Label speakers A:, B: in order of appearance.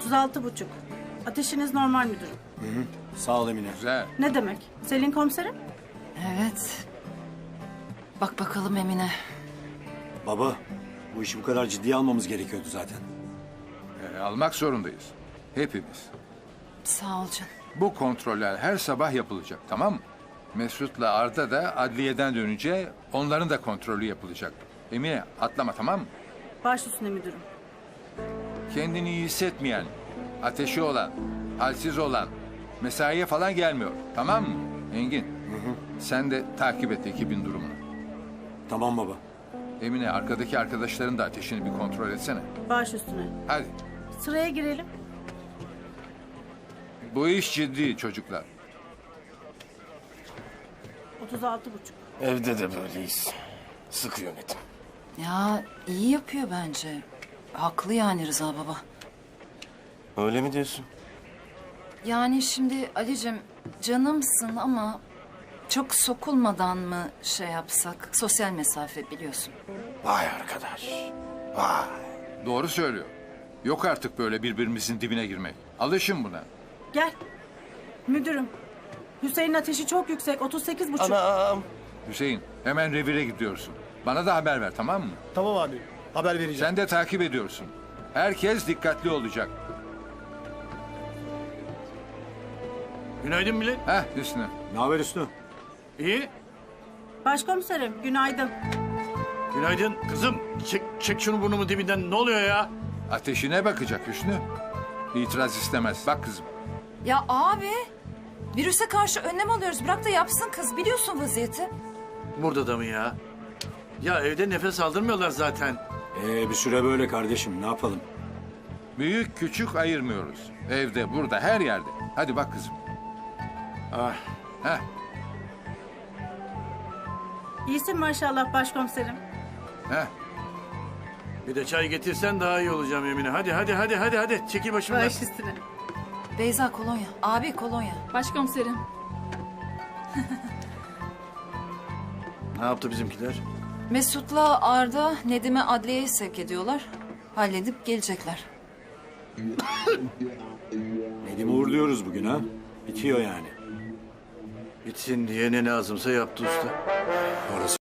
A: 36,5. Ateşiniz normal müdürüm.
B: Sağ ol Emine.
C: Güzel.
A: Ne demek? Selin komiserim?
D: Evet. Bak bakalım Emine.
B: Baba, bu işi bu kadar ciddiye almamız gerekiyordu zaten.
C: Almak zorundayız. Hepimiz.
D: Sağ ol canım.
C: Bu kontroller her sabah yapılacak, tamam mı? Mesut'la Arda da adliyeden dönünce onların da kontrolü yapılacak. Emine atlama, tamam mı?
A: Baş üstüne müdürüm.
C: Kendini iyi hissetmeyen, ateşi olan, halsiz olan, mesaiye falan gelmiyor. Tamam mı? Engin, sen de takip et ekibin durumunu.
B: Tamam baba.
C: Emine, arkadaki arkadaşların da ateşini bir kontrol etsene.
A: Baş üstüne.
C: Hadi.
A: Sıraya girelim.
C: Bu iş ciddi çocuklar.
A: 36,5.
E: Evde de böyleyiz. Sıkı yönetim.
D: Ya iyi yapıyor bence. Haklı yani Rıza baba.
E: Öyle mi diyorsun?
D: Yani şimdi Ali'cim canımsın ama çok sokulmadan mı şey yapsak? Sosyal mesafe biliyorsun.
E: Vay arkadaş. Vay.
C: Doğru söylüyor. Yok artık böyle birbirimizin dibine girmek. Alışın buna.
A: Gel. Müdürüm. Hüseyin'in ateşi çok yüksek. 38,5.
E: Anam.
C: Hüseyin, hemen revire gidiyorsun. Bana da haber ver, tamam mı?
F: Tamam abi. Haber vereceğim.
C: Sen de takip ediyorsun. Herkes dikkatli olacak.
G: Günaydın millet.
C: Heh Hüsnü.
B: Ne haber Hüsnü?
G: İyi.
A: Başkomiserim günaydın.
G: Günaydın kızım. Çek şunu burnumu dibinden. Ne oluyor ya?
C: Ateşine bakacak Hüsnü. İtiraz istemez. Bak kızım.
D: Ya abi virüse karşı önlem alıyoruz. Bırak da yapsın kız. Biliyorsun vaziyeti.
G: Burada da mı ya? Ya evde nefes aldırmıyorlar zaten.
B: Bir süre böyle kardeşim. Ne yapalım?
C: Büyük küçük ayırmıyoruz. Evde, burada, her yerde. Hadi bak kızım.
G: Ah.
C: Heh.
A: İyisin maşallah başkomiserim.
C: Heh.
G: Bir de çay getirsen daha iyi olacağım Emine. Hadi. Çekil başımdan.
A: Baş üstüne.
D: Beyza kolonya. Abi kolonya.
H: Başkomiserim.
G: Ne yaptı bizimkiler?
D: Mesut'la Arda Nedim'i adliyeye sevk ediyorlar. Halledip gelecekler.
B: Nedim'i uğurluyoruz bugün ha. Bitiyor yani.
G: Bitsin diye ne lazımsa yaptı usta.
B: Orası